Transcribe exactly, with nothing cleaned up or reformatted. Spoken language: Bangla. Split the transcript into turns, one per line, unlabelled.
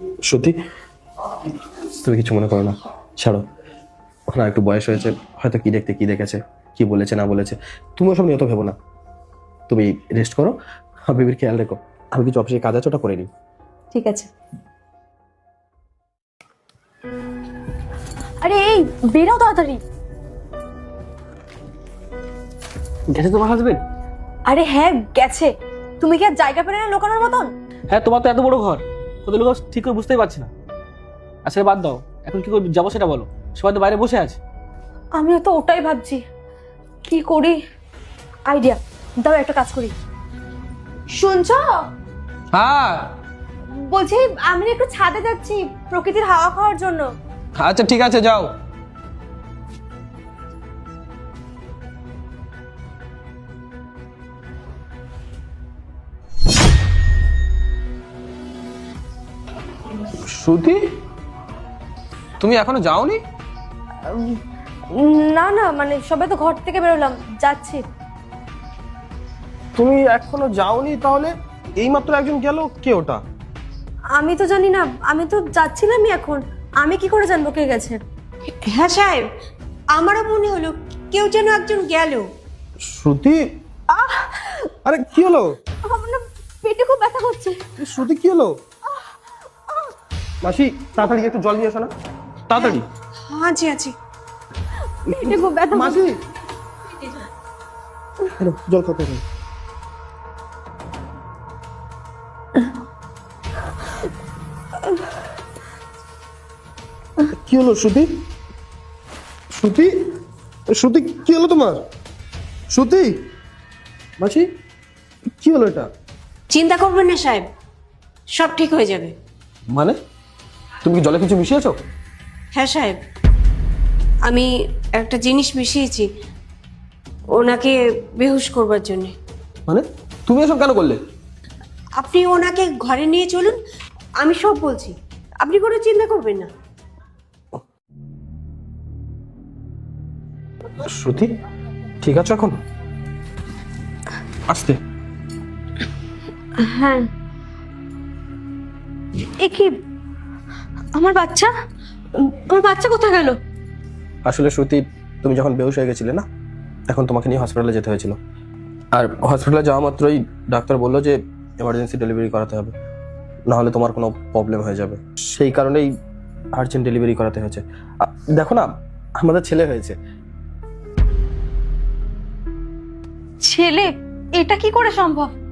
সত্যি তুমি কিছু মনে করো না, ছাড়ো। ওখানে একটু বয়স হয়েছে, হয়তো কি দেখতে কি দেখেছে, কি বলেছে না বলেছে, তুমি ওসব নিয়ে তো ভেবো না। তুমি রেস্ট করো, আর বেবির খেয়াল রেখো। আমি কিছু অফিসে কাজ আছে, ওটা করে নিই।
ঠিক আছে। আরে এই বেরাও তাড়াতাড়ি।
গেছে তোমার হাজবেন্ড?
আরে হ্যাঁ গেছে। তুমি কি আর জায়গা পেলে না লোকানোর মতন?
হ্যাঁ, তোমার তো এত বড় ঘর, ওদের লোক ঠিক করে বুঝতেই পারছি না। আসলে বাদ দাও, এখন কি করে যাবো সেটা বলো। সবাই তো বাইরে বসে আছে।
আমিও তো ওটাই ভাবছি, কি করি। আইডিয়া দাও, একটা কাজ করি। শুনছো?
হ্যাঁ
বলছি আমি একটু ছাদে যাচ্ছি প্রকৃতির হাওয়া খাওয়ার জন্য।
আচ্ছা ঠিক আছে, যাও। শ্রুতি, তুমি এখনো যাওনি?
না না, মানে সবাই তো ঘর থেকে বেরোলাম, যাচ্ছি।
তুমি এখনো যাওনি? তাহলে এইমাত্র একজন গেল, কে ওটা?
আমি তো জানি না, আমি তো যাচ্ছিলামই এখন। আমি কি করে জানবো কে গেছে?
হ্যাঁ সাহেব, আমারও মনে হলো কেউ যেন একজন গেল।
শ্রুতি, আরে কি হলো?
আমার না পেটে খুব ব্যথা করছে।
শ্রুতি কি হলো? মাসি তাড়াতাড়ি একটু জল নিয়ে এসো না, তাড়াতাড়ি।
হ্যাঁ জি আছি।
পেটে খুব ব্যথা করছে।
মাসি হ্যালো, জল খাতে হবে। কি হলো শ্রুতি? শ্রুতি, শ্রুতি কি হলো তোমার? শ্রুতি, মাসি কি হলো এটা?
চিন্তা করবেন না সাহেব, সব ঠিক হয়ে যাবে।
মানে তুমি কি জলে কিছু মিশিয়েছো?
হ্যাঁ সাহেব, আমি একটা জিনিস মিশিয়েছি ওনাকে বেহুশ করবার জন্য।
মানে তুমি এসব কেন করলে?
আপনি ওনাকে ঘরে নিয়ে চলুন, আমি সব বলছি, আপনি কোনো চিন্তা করবেন না।
শ্রুতি ঠিক আছে এখন? আসতে।
হ্যাঁ। এ কি, আমার বাচ্চা? আমার বাচ্চা কোথায় গেল?
আসলে শ্রুতি, তুমি যখন বেহুশ হয়ে গেছিলে না, এখন তোমাকে নিয়ে হসপিটালে যেতে হয়েছিল। আর হসপিটালে যাওয়া মাত্রই ডাক্তার বললো যে এমার্জেন্সি ডেলিভারি করাতে হবে, না হলে তোমার কোনো প্রবলেম হয়ে যাবে। সেই কারণেই আর্জেন্ট ডেলিভারি করাতে হয়েছে। আ- দেখো না, আমাদের ছেলে হয়েছে।
ছেলে? এটা কি করে সম্ভব?